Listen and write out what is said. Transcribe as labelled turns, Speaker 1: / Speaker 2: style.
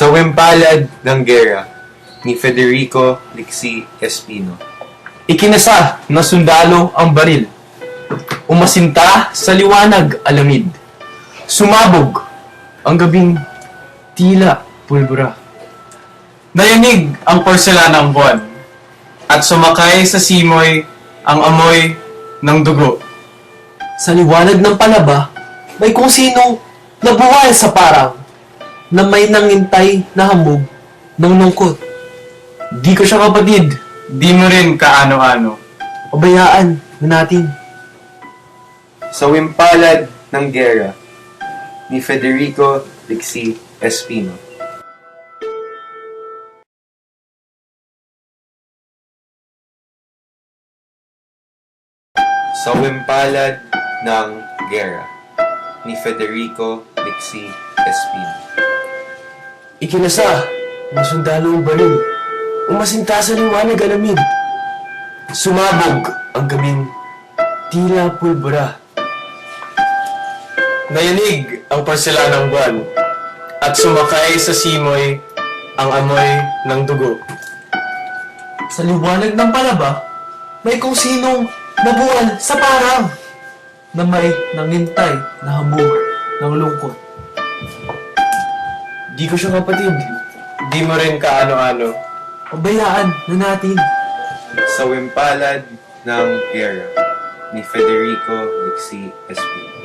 Speaker 1: Sa Wimpalad ng Gera ni Federico Lixi Espino.
Speaker 2: Ikinasa na sundalo ang baril. Umasinta sa liwanag alamid. Sumabog ang gabing tila pulbura.
Speaker 3: Nayanig ang porselanang buwan at sumakay sa simoy ang amoy ng dugo.
Speaker 4: Sa liwanag ng palaba, may kung sinong nabuwal sa parang na may nangintay na hamog ng lungkot.
Speaker 2: Di ko siya kapatid.
Speaker 3: Di mo rin kaano-ano.
Speaker 4: Pabayaan na natin.
Speaker 1: Sa Wimpalad ng Gera ni Federico Lixi Espino. Sa Wimpalad ng Gera ni Federico Lixi Espino.
Speaker 4: Ikinasa ng sundalo ang baril. Umasinta sa liwanag alamid. Sumabog ang gabing tila pulbura.
Speaker 3: Nayanig ang porselanang buwan at sumakay sa simoy ang amoy ng dugo.
Speaker 4: Sa liwanag ng palaba, may kung sinong nabuwal sa parang na may nangintay na hamog ng lungkot.
Speaker 2: Di ko siya kapatid.
Speaker 3: Di mo rin kaano-ano.
Speaker 4: Pabayaan na natin.
Speaker 1: Sa Wimpalad ng Gera ni Federico Lixi Espino.